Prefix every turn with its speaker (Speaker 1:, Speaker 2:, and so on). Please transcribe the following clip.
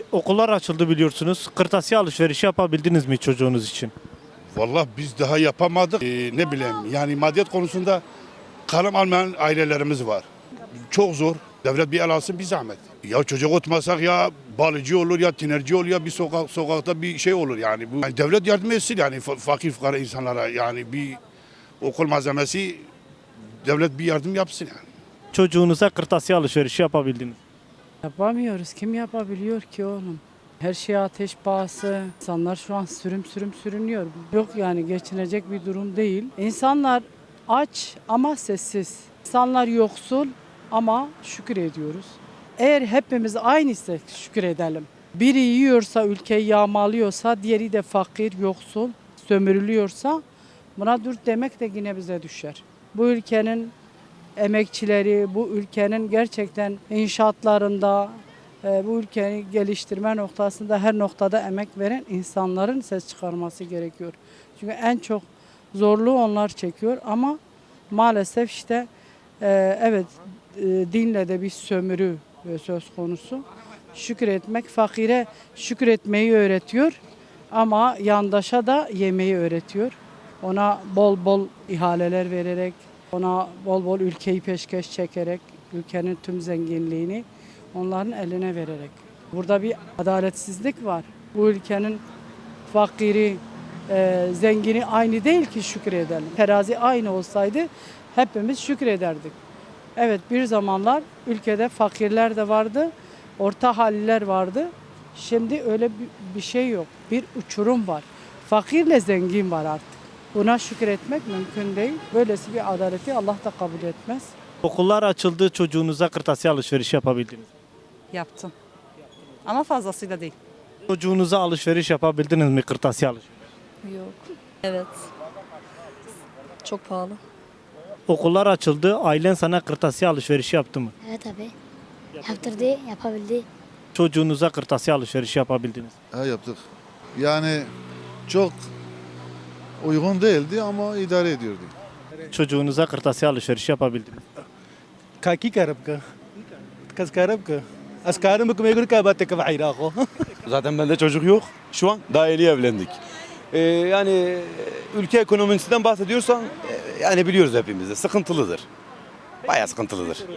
Speaker 1: Okullar açıldı biliyorsunuz. Kırtasiye alışverişi yapabildiniz mi çocuğunuz için?
Speaker 2: Vallahi biz daha yapamadık. Ne bileyim yani maddiyat konusunda kalem almayan ailelerimiz var. Çok zor. Devlet bir el alsın bir zahmet. Ya çocuk otmasak ya balıcı olur ya tinerci olur ya bir sokakta bir şey olur yani. Bu yani devlet yardım etsin yani fakir fukara insanlara yani bir okul malzemesi devlet bir yardım yapsın yani.
Speaker 1: Çocuğunuza kırtasiye alışverişi yapabildiniz.
Speaker 3: Yapamıyoruz. Kim yapabiliyor ki oğlum? Her şey ateş pahası. İnsanlar şu an sürüm sürüm sürünüyor. Yok yani geçinecek bir durum değil. İnsanlar aç ama sessiz. İnsanlar yoksul ama şükür ediyoruz. Eğer hepimiz aynıysak şükür edelim. Biri yiyorsa, ülkeyi yağmalıyorsa, diğeri de fakir, yoksul, sömürülüyorsa buna dur demek de yine bize düşer. Bu ülkenin emekçileri, bu ülkenin gerçekten inşaatlarında, bu ülkeyi geliştirme noktasında her noktada emek veren insanların ses çıkarması gerekiyor. Çünkü en çok zorluğu onlar çekiyor ama maalesef işte evet dinle de bir sömürü söz konusu. Şükür etmek, fakire şükür etmeyi öğretiyor ama yandaşa da yemeyi öğretiyor. Ona bol bol ihaleler vererek, ona bol bol ülkeyi peşkeş çekerek, ülkenin tüm zenginliğini onların eline vererek. Burada bir adaletsizlik var. Bu ülkenin fakiri, zengini aynı değil ki şükredelim. Terazi aynı olsaydı hepimiz şükrederdik. Evet bir zamanlar ülkede fakirler de vardı, orta halliler vardı. Şimdi öyle bir şey yok. Bir uçurum var. Fakirle zengin var artık. Buna şükretmek mümkün değil. Böylesi bir adaleti Allah da kabul etmez.
Speaker 1: Okullar açıldı, çocuğunuza kırtasiye alışverişi yapabildiniz.
Speaker 4: Yaptım. Ama fazlasıyla değil.
Speaker 1: Çocuğunuza alışveriş yapabildiniz mi kırtasiye alışverişi?
Speaker 5: Yok. Evet. Çok pahalı.
Speaker 1: Okullar açıldı, ailen sana kırtasiye alışverişi yaptı mı?
Speaker 5: Evet abi. Yaptırdı, yapabildi.
Speaker 1: Çocuğunuza kırtasiye alışverişi yapabildiniz.
Speaker 6: Yaptık. Yani çok uygun değildi ama idare ediyordu.
Speaker 1: Çocuğunuza kırtasiye alışverişi yapabildiniz.
Speaker 7: Kaki karab ka. Kas karab ka. Askarım bu megur ka batte ka bayraqo.
Speaker 8: Zaten bende çocuk yok. Şu an daha yeni evlendik. Yani ülke ekonomisinden bahsediyorsan yani biliyoruz hepimiz de sıkıntılıdır. Bayağı sıkıntılıdır.